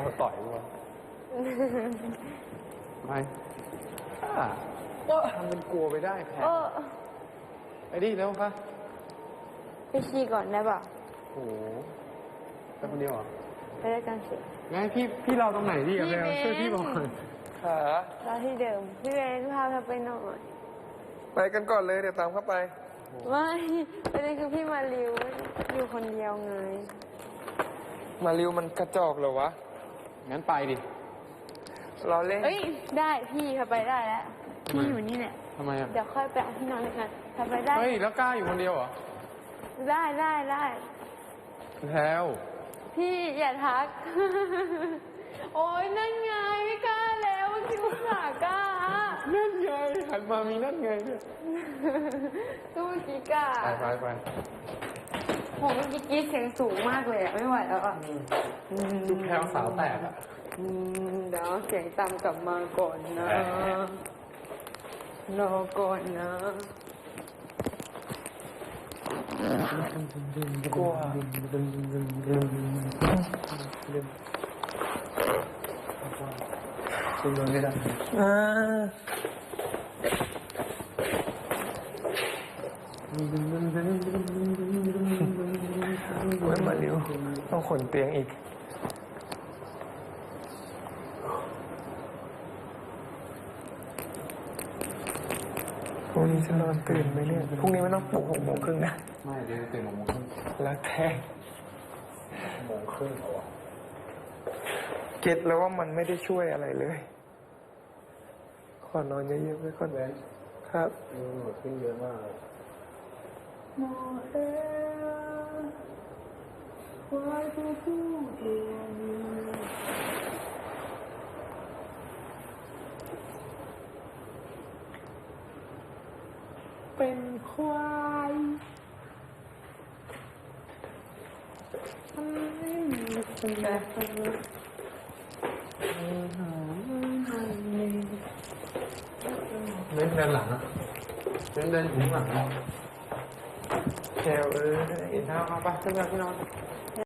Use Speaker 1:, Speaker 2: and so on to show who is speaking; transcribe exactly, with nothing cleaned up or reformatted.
Speaker 1: เขาต่อยกูวะไม่ทำเป็นกลัวไปได้แพ้ไอ้ดิแล้วปะ
Speaker 2: ไปชี้ก่อนได้ป่ะ
Speaker 1: โอ้โหไปคนเดียวเหรอ
Speaker 2: ไปด้วยกันสิ
Speaker 1: งั้นพี่พี่เราตรงไหนดิอะแล้วช่วยพี่บอกหน่อย
Speaker 3: ขา
Speaker 2: เราที่เดิมพี่เบนพาเราไปหน่อย
Speaker 3: ไปกันก่อนเลยเดี๋ยวตามเข้าไป
Speaker 2: ไม่ประเด็นคือพี่มาริวอยู่คนเดียวไง
Speaker 3: มาริวมันกระจอกเหรอวะ
Speaker 1: งั้นไปดิ
Speaker 3: เราเล่น
Speaker 2: เอ้ยได้พี่เขาไปได้แล้วพี่อยู่นี่แหละ
Speaker 1: ทำไมอ่ะ
Speaker 2: เดี๋ยวค่อยไปเอาที่นอนด้วยกันเขาไปได้
Speaker 1: เฮ้ยแล้วกล้าอยู่คนเดียวเหรอ
Speaker 2: ได้ได้ได้
Speaker 1: แล้ว
Speaker 2: พี่อย่าทักโอ้ยนั่นไงไม่กล้าแล้วคิดว่าสากล้า
Speaker 1: นั่นไงหันมามีนั่นไงเนี่ย
Speaker 2: ตู้กี้กล้า
Speaker 1: ไปไปไป
Speaker 2: ผมเมื่อกี้กี้เสียงสูงมากเลยอะไม่ไหวแล้วอ่ะ
Speaker 1: ดูแพลวสาวแตกอ่ะ
Speaker 2: เดี๋ยวเสียงต่ำกลับมาก่อนนะรอก่อนนะ
Speaker 3: กลัว
Speaker 1: คุณโดนไม่ได้
Speaker 3: อ่าเว้ยมาเร็วต้องขนเตียงอีกพรุ่งนี้จะนอนตื่นไหมเนี่ยพรุ่งนี้ไม่ต้องปลุกหกโมงครึ่งนะ
Speaker 1: ไม่เดี๋ยวตื่นหกโมงครึ่ง
Speaker 3: แล้วแท้
Speaker 1: โมงครึ่งเหรอ
Speaker 3: เก็ตแล้วว่ามันไม่ได้ช่วยอะไรเลยขอนอนเยอะๆไว้ก่อนเลยครับ
Speaker 1: เออขึ้นเยอะมากเลย
Speaker 2: โมเอว่าจะพูดเอง
Speaker 3: เป็นควาย
Speaker 2: ไม่มีคนใดคนหนึ่ง
Speaker 1: เล่นเดินหลังอ่ะเล่นเดินถึงหลัง
Speaker 3: แถวเออ
Speaker 1: เห็นเท้าเอาไปขึ้นมาพี่นอน